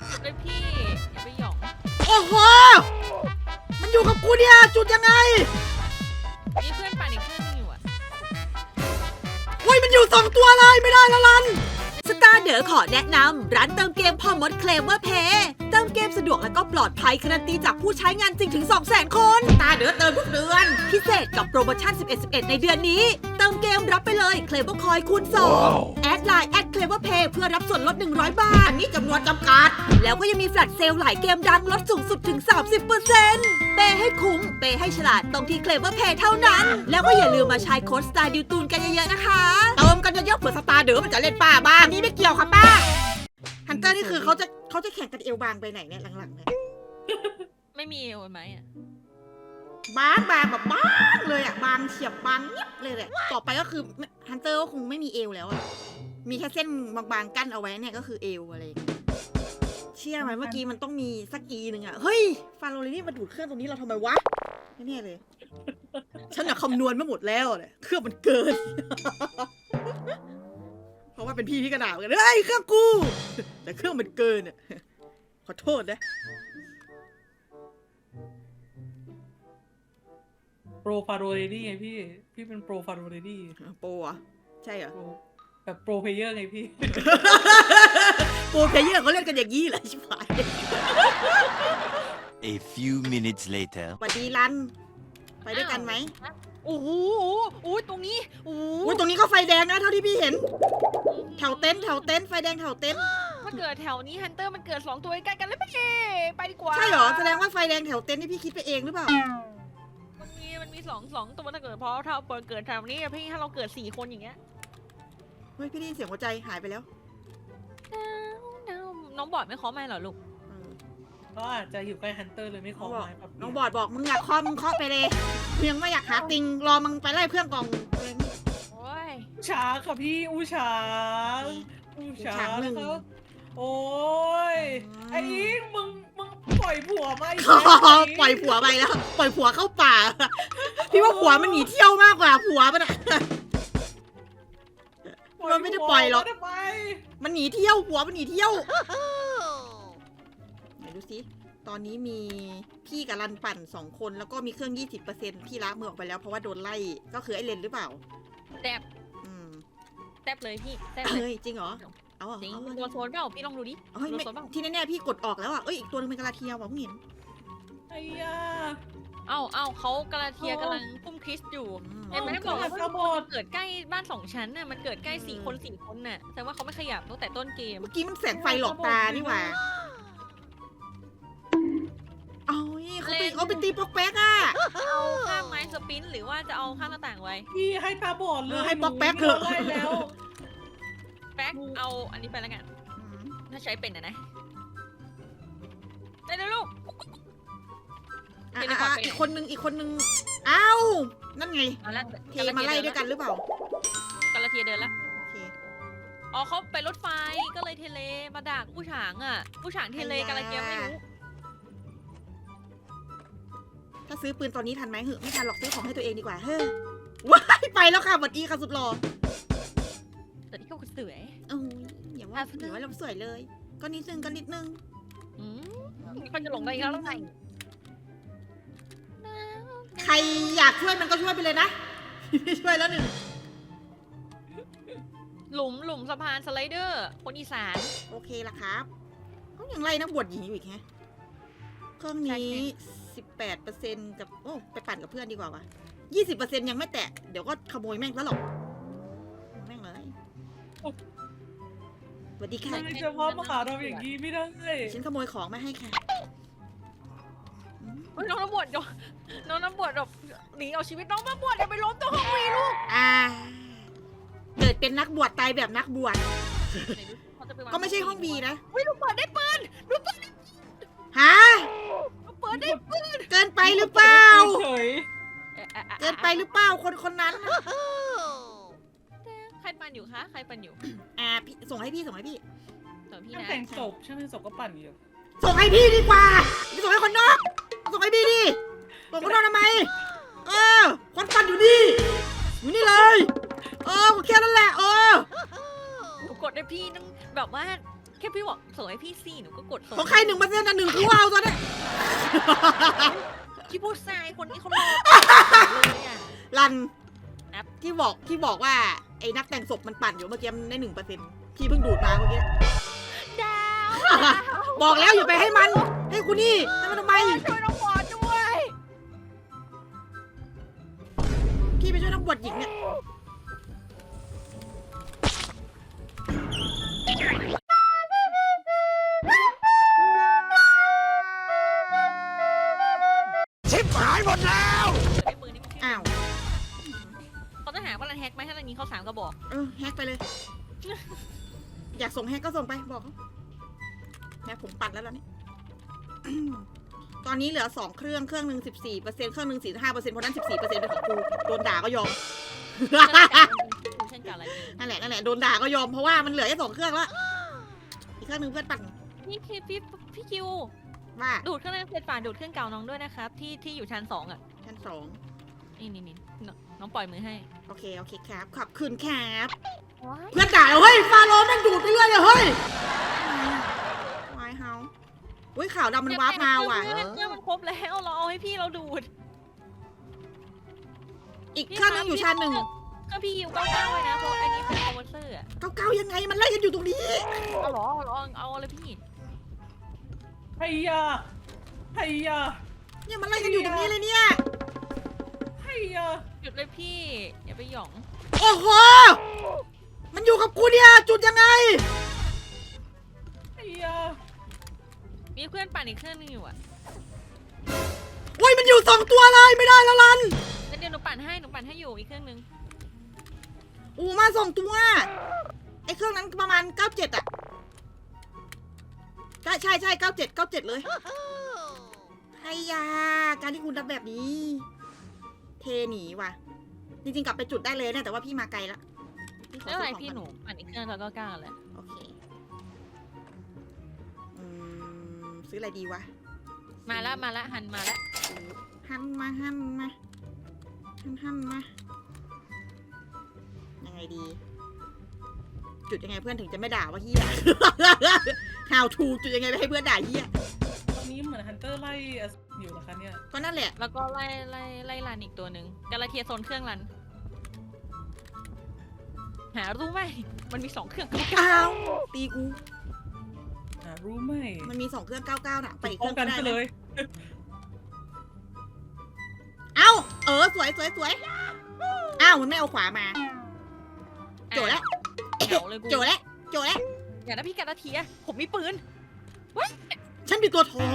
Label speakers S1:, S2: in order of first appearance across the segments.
S1: จุดเลยพี่อย่าไปหยอง
S2: โอ้โหมันอยู่กับกูเนี่ยจุดยังไง
S1: มีเพื่อนปั่นอีกเครื่องนึงอยู่อะ
S2: โอ้ยมันอยู่2ตัวเลยไม่ได้ละลันสตาร์เดอขอแนะนำร้านเติมเกมพ่อมดเคลมว่าเพย์เติมเกมสะดวกและก็ปลอดภัยการันตีจากผู้ใช้งานจริงถึง 200,000 คนสตาร์เดอเติมทุกเดือนพิเศษกับโปรโมชั่น 11/11 ในเดือนนี้เติมเกมรับไปเลยเคลมว่าคอยคูณ2แอดไลน์แอดเคลมว่าเพย์เพื่อรับส่วนลด100 บาทอันนี้จำนวนจำกัดแล้วก็ยังมีแฟลชเซลล์หลายเกมดังลดสูงสุดถึง 30%เปย์ให้คุ้มเปย์ให้ฉลาดตรงที่เคลมว่าเพย์เท่านั้นแล้วก็อย่าลืมมาใช้โค้ดสตาร์ดิวตูนกันเยอะๆนะคะเติมกันเยอะๆเผื่อสตาร์เดอมันจะเล่นป้าบ้างนี่ไม่เกี่ยวค่ะป้าฮันเตอร์นี่คือเขาจะแข่งกันเอวบางไปไหนเนี่ยหลังๆเนี่ย
S1: ไม่มีโอนไหมอะ
S2: บางแบบบางเลยอ่ะบางเฉียบบางเงียบเลยแหละต่อไปก็คือฮันเตอร์ก็คงไม่มีเอวแล้วอ่ะมีแค่เส้นบางๆกั้นเอาไว้เนี่ยก็คือเอวอะไรอย่างเงี้ยเชื่อไหมเมื่อกี้มันต้องมีสักหนึ่งอ่ะเฮ้ยฟาโรลินี่มาดูดเครื่องตรงนี้เราทำไมวะไม่แน่เลยฉันอะคำนวณมาหมดแล้วเนี่ยเครื่องมันเกิน เพราะว่าเป็นพี่กระดาษกันเฮ้ยเครื่องกูแต่เครื่องมันเกินอ่ะขอโทษนะ
S3: โปรฟาโรเรดี้ไงพี่เป็นโปรฟาโรเรดี้
S2: โปรอ่ะใช่เหรอ
S3: แบบโปรเพลเยอร์ไงพี่
S2: โปรเพลเยอร์เขาเล่นกันอย่างนี้เหรอชิบหาย
S4: A few minutes later.
S2: สวัสดีรันไปด้วยกันไหม
S1: โอ้โหโอ้ตรงนี้โอ้โห
S2: อุ้ยตรงนี้ก็ไฟแดงนะเท่าที่พี่เห็นแถวเต็นท์ไฟแดงแถวเต็นท์
S1: ถ้าเกิดแถวนี้ฮันเตอร์มันเกิด2ตัวใกล้กันแล้วไปดีกว่า
S2: ใช่เหรอแสดงว่าไฟแดงแถวเต็นท์นี่พี่คิดไปเองหรือเปล่า
S1: มันมีสองตัวถ้าเกิดเพราะถ้าเกิดแถวนี้อะพี่ถ้าเราเกิด4 คนอย่างเงี้ย
S2: เฮ้ยพี่ได้ยินเสียงหัวใจหายไปแล้ว
S1: น้องบอดไม่เคาะไม่เหรอลูก
S3: ก็อาจจะอยู่ใกล้ฮันเตอร์เลยไม่ขอไม้แบบ
S2: น้องบอดบอกมึงอยากเคาะมึงเคาะไปเลยมึงยังไม่อยากหาติงรอมึงไปไล่เพื่อนกอง
S1: โอ้ย
S3: ช้างค่ะพี่อู้ช้างนะครับโอ้ยไอ้อิงมึงปล่อยผัวมาอีก
S2: ปล่อยผัวไปแล้วปล่อยผัวเข้าป่าพี่ว่าผัวมันหนีเที่ยวมากกว่าผัวมันอะมันไม่ได้ปล่อยหรอก
S3: ทำไม
S2: มันหนีเที่ยวผัวมันหนีเที่ยวไหนดูสิตอนนี้มีพี่กับรันปั่น2 คนแล้วก็มีเครื่อง 20%พี่ล้างมือออกไปแล้วเพราะว่าโดนไล่ก็คือไอ้เลนหรือเปล่า
S1: แตบ
S2: อืม
S1: แตบเลยพี่แตบเลย
S2: เฮ้ยจริงเหรอเอาเหรอ
S1: จริง
S2: เอา
S1: ตัวโซนเปล่าพี่ลองดูดิ
S2: เฮ้ย
S1: ตัว
S2: ไม่
S1: โซนเปล่า
S2: ที่แน่ๆพี่กดออกแล้วอ่ะเอ้ยอีกตัวนึงเป็นกระลาเทียว่ะเพิ่งเห็น
S3: ไอ้ยา
S1: เอ้าเขากระเทียกำลังพุ่มคริสอยู่
S2: อืม
S1: เห็นไหม
S3: ก็
S1: บอก
S3: แบ
S1: ว่า
S3: บกระบอด
S1: เกิดใกล้บ้าน2 ชั้นน่ะมันเกิดใกล้4 คนน่ะแต่ว่าเขาไม่ขยับตั้งแต่ต้นเกม
S2: เมื่อกี้มันแสงไฟหลอกตานี่หว่าเอาเขาไปตีปอกแป๊กอ่ะ
S1: เอาข้างไม้สปินหรือว่าจะเอาข้างหน้าต่างไว้
S3: พี่ให้ตาบอดเลย
S2: ให้ป๊อกแป๊กเถอะ
S3: ไล่แล้ว
S1: แป๊กเอาอันนี้ไปแล้วกันถ้าใช้เป็นนะได้แล้วลูก
S2: อ่ะ
S1: เทเลพอร์ตไป
S2: อีกคนนึงเอ้านั่นไง
S1: มาแล้ว
S2: เทมาไล่ด้วยกันหรือเปล่าก
S1: ระเทียเดินแล้ว
S2: โอเค
S1: อ๋อเขาไปรถไฟก็เลยเทเลมาดักผู้ฉางอ่ะผู้ฉางเทเลกระเทียไม่รู้
S2: ถ้าซื้อปืนตอนนี้ทันไหมเหอะไม่ทันหรอกซื้อของให้ตัวเองดีกว่าเฮ้ยว้ายไปแล้วค่ะสวัสดีค่ะสุดหล่อ
S1: แต่ที่เขาสวย
S2: เอ้ยอย่าว่าเราสวยเลย ก็นิดนึง
S1: อืมมันจะหลงได้อีกแล้วไง
S2: ใครอยากช่วยมันก็ช่วยไปเลยนะ ช่วยแล้วหนึ่ง
S1: หลุมสะพานสไลเดอร์คนอีสาน
S2: โอเคละครับเขายังไล่นักบวชหญิงอยู่อีกแฮะเครื่องนี้ 18%กับโอ้ไปปั่นกับเพื่อนดีกว่าวะ20%ยังไม่แตะเดี๋ยวก็ขโมยแม่งแล้วหรอกแม่งเลยสวัสดีค่ะ
S3: ไม่จะพ่อมาหาเราอย่างนี้ไม่ได้
S2: ฉันขโมยของมาให้ค่ะ
S1: เฮ้ยน้องน้ำบวชน้องน้ำบวชแบบหนีเอาชีวิตน้องมาบวชอย่าไปล้มตัวห้องวีลูก
S2: เกิดเป็นนักบวชตายแบบนักบวช
S1: เขาจะปวาง
S2: ก็ไม่ใช่ห้องบีนะ
S1: เฮ้ยลูกเปิดได้ปืนลูกเปิด
S2: ฮะ
S1: เปิดได้
S2: เกินไปหรือเปล่า
S3: เฉย
S2: เกินไปหรือเปล่าคนนั้นน่ะ
S1: ใครปันอยู่คะใครปันอยู่
S2: พี่ส่งให้พี่
S1: ส่วนพี่
S3: ช่าง
S1: นะ
S3: แต่งศพช่างแต่งศพก็ปั่นอยู่
S2: ส่งให้พี่ดีกว่าไม่ส่งให้คนนอกส่งให้พี่ดิส่งคนนอกทำไมคนปั่นอยู่นี่อยู่นี่เลยแค่นั้นแหละ
S1: หนูกดได้พี่ต้องแบบว่าแค่พี่บอกส่งให้พี่ซี่หนูก็กดส่ง
S2: ของใคร1%นะ1กูเอาตอนนี้
S1: พี่พูดทรายคนนี้เขารอเลยอ่ะ
S2: รัน
S1: ครับ
S2: ที่บอกว่าไอ้นักแต่งศพมันปั่นอยู่เมื่อกี้มันได้1%พี่เพิ่งดูดมาเมื่อกี้
S1: ดาว
S2: บอกแล้วอย่าไปให้มันให้คุณนี่ให้มันทำไม
S1: ช่วยน้องบอลด้วย
S2: พี่ไปช่วยนักบวชหญิงเนี่ย
S4: ชิบหายหมดแล้ว
S1: ไอ้ปืนนี่มันชื่อ
S2: อ้าว
S1: เขาจะหาว่ารันแฮกไหมถ้ารันนี้เขา3กระบอก
S2: แฮกไปเลย อยากส่งแฮกก็ส่งไปบอกเขาแฮกผมปัดแล้วล่ะนี่ ตอนนี้เหลือ2เครื่องหนึ่ง14%เครื่องหนึ่ง45%เพราะนั้น14%เป็นของกูโดนด่าก็ยอม
S1: เช่นกันอะไรนี่
S2: นั่นแหละโดนด่าก็ยอมเพราะว่ามันเหลือแค่2เครื่องแล้วอีกเครื่องหนึงเพื่อนปั่น
S1: พี่พี่คิว
S2: ว่า
S1: ดูดเครื่องนั้นเสร็จป่านดูดเครื่องเก่าน้องด้วยนะครับที่อยู่ชั้น2อ่ะ
S2: ชั้น2
S1: นี่น้องปล่อยมือให้
S2: โอเคครับขอบคุณครับ
S1: ว้าย
S2: เพื่อนด่าเฮ้ยฟาโรห์แม่งดูดไปเรื่อยเลยเฮ้ยวายเฮาอุ้ยข่าวดำมันวาร์ปมาว่ะ
S1: เครื่องมันครบแล้วเราเอาให้พี่เราดูด
S2: อีกเครื่องหนึงอยู่ชั้น 1
S1: ก็พี่คิว99เลยนะเพราะอันนี้เป็นคอมเวอร์เซอร์อะ
S2: เก้ายังไงมันไล่กันอยู่ตรงนี้
S1: เอาเหรอเอาเลยพี่
S3: ไฮยาไฮยา
S2: เนี่ยมันไล่กันอยู่ตรงนี้เลยเนี่ย
S3: ไฮยา
S1: หยุดเลยพี่อย่าไปหยอง
S2: โอ้โหมันอยู่กับกูเนี่ยจุดยังไง
S3: ไฮยา
S1: มีเพื่อนปั่นอีกเครื่องนึงอยู่อ่ะ
S2: โอ้ยมันอยู่2ตัวเลยไม่ได้แล้วลัน
S1: งั้นเดี๋ยวหนูปั่นให้อยู่อีกเครื่องนึง
S2: อูมา2ตัวไอ้เครื่องนั้นประมาณ97อ่ะใช่97เลยไฮยาการที่คุณทำแบบนี้ เทหนีว่ะจริงๆกลับไปจุดได้เลยเนี่ยแต่ว่าพี่มาไกลละขอ
S1: ไม่เป็นไร
S2: ซื้อของ
S1: พี่
S2: ก่อ
S1: หนูปั่นอีกเครื่องแล้วก็ก้าวเลย
S2: โอเคซื้ออะไรดีวะ
S1: มาละหันมาละ
S2: หันมายังไงดี จุดยังไงเพื่อนถึงจะไม่ด่าว่าเฮีย How to จุดยังไงไม่ให้เพื่อนด่าเฮีย
S3: ตอนนี้เหมือนฮันเตอร์ไล่อยู่นะคะเนี่ย
S2: ก็นั่นแหละ
S1: แล้วก็ไล่รันอีกตัวหนึ่งกาลาเทียโซนเครื่องรัน หารู้ไหมมันมี2เครื่อง
S2: อ้าวตีกู
S3: รู้ไหม
S2: มันมี2เครื่อง99น่ะไปอีกเค
S3: ป้อ
S2: รื่
S3: ง
S2: อง
S3: กั
S2: ก็
S3: น
S2: ได้
S3: ไปเล
S2: นะ
S3: ย
S2: เอ้าสวยอ้าวมันไม่เอาขวามา โจแล้ว
S1: เดี๋ยวเลยกู
S2: โจแล้ว
S1: อย่านะพี่กาลาเทียผมมีปืน
S2: ฉันมีตัวทอง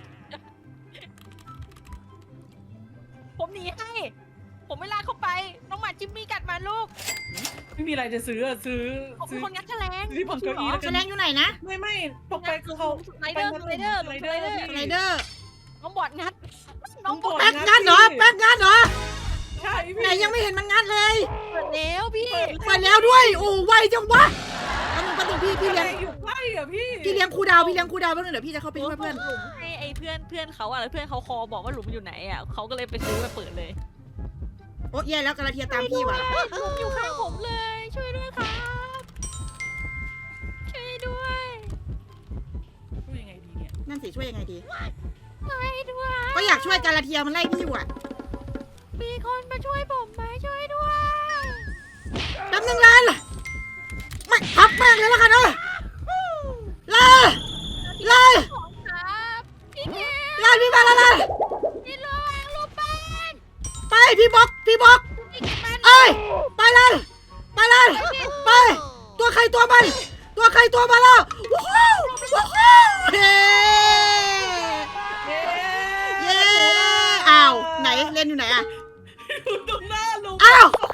S1: ผมหนีให้ ผมไม่ลากเข้าไป น้องหมาจิมมี่กัดมาลูก
S3: ไม่มีอะไรจะซื้อซื้อ
S1: ผมเป็นคนงัดแฉลง
S3: ที่ผมเก้าอี้แล้ว
S2: แส
S3: กัน
S2: ดงอยู่ไหนนะ
S3: ไม่ปกไปเขา
S1: ไรเดอร์
S2: สไลเดอร์
S1: น้องบอดงัด น้องบอด
S2: แป๊กงัดเหรอ
S3: ใช่พี่
S2: ไหนยังไม่เห็นมันงัดเลย
S1: เปิดแล้วพี่
S2: เปิดแล้วด้วย โอ้ไวจังวะประตูพี่
S3: อะไร
S2: เลี้ยง
S3: อยู่ใกล้อ่ะพี่
S2: พี่เลี้ยงครูดาวแป๊บนึงเดี๋ยวพี่จะเข้าไปช่วยเพื่อน
S1: หลุมให้ไอ้เพื่อนเขาอะแล้วเพื่อนเขาคอบอกว่าหลุมอยู่ไหนอะเขาก็เลยไปซื้อมาเปิดเลย
S2: โอ้แย่แล้วกระเทียตามพี่ว่ะ
S1: หลุมอยู่ข้างผมเลย ช่วยด้วยครับ ช่วยด้วย
S3: พูดยังไงดีเนี่ย
S2: นั่นสิช่วยยังไงดี
S1: ช่วยด้วย
S2: ก็อยากช่วยกระเทียมันไล่พี่อยู่อ่ะ
S1: มีคนมาช่วยผมไหมช่วยด้วย
S2: แป๊บนึงลันไม่พับแม่งเลยแล้วกันลา
S1: ของครับพี่เก
S2: ลาพี่มาแล้ว
S1: พี่ระวังลูกปั้น
S2: ไปพี่บอก
S1: พี่เก็บมัน
S2: เอ้ยไปลันไปตัวใครตัวมันแล้วว้าวเย้อ้าวไหนเล่นอยู่ไหนอ่ะ
S3: อยู่ตรงหน้าลุง
S2: อ้าว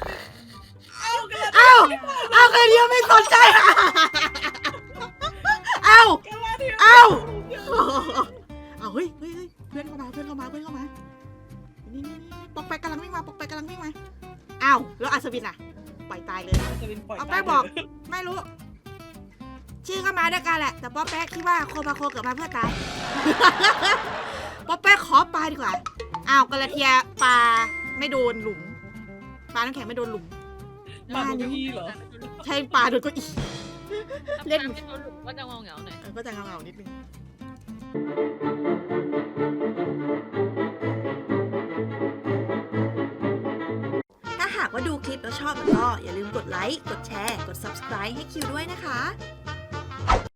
S3: เอากัน
S2: กระเทียไม่สนใจอ้าว
S3: กันแล้วที่
S2: เอาเฮ้ยเพื่อนเข้ามานี่ปอกแปกกำลังวิ่งมาอ้าวแล้วอัศวินอ่ะปล่อยตายเลย
S3: จะเป็นปล่อย
S2: เอาแป้งบอก ไม่รู้ ชื่อก็มาด้วยกันแหละ แต่ป๊อปแป๊กคิดว่าโคมาโคเกิดมาเพื่อตาย ป๊อปแป๊กขอปลาดีกว่า อ้าวกระเทียปลาไม่โดนหลุม ปลาน้ำแข็งไม่โดนหลุม
S3: มาดูพี่เหรอ
S2: ใช่ปลาโดนเก็อีเล่น
S1: ถ้าเป็นหลุมก็จะเหงาๆหน่อย
S2: ก็จะเงาๆนิดนึงถ้าหากว่าดูคลิปแล้วชอบก็อย่าลืมกดไลค์ กดแชร์ กด subscribe ให้คิวด้วยนะคะ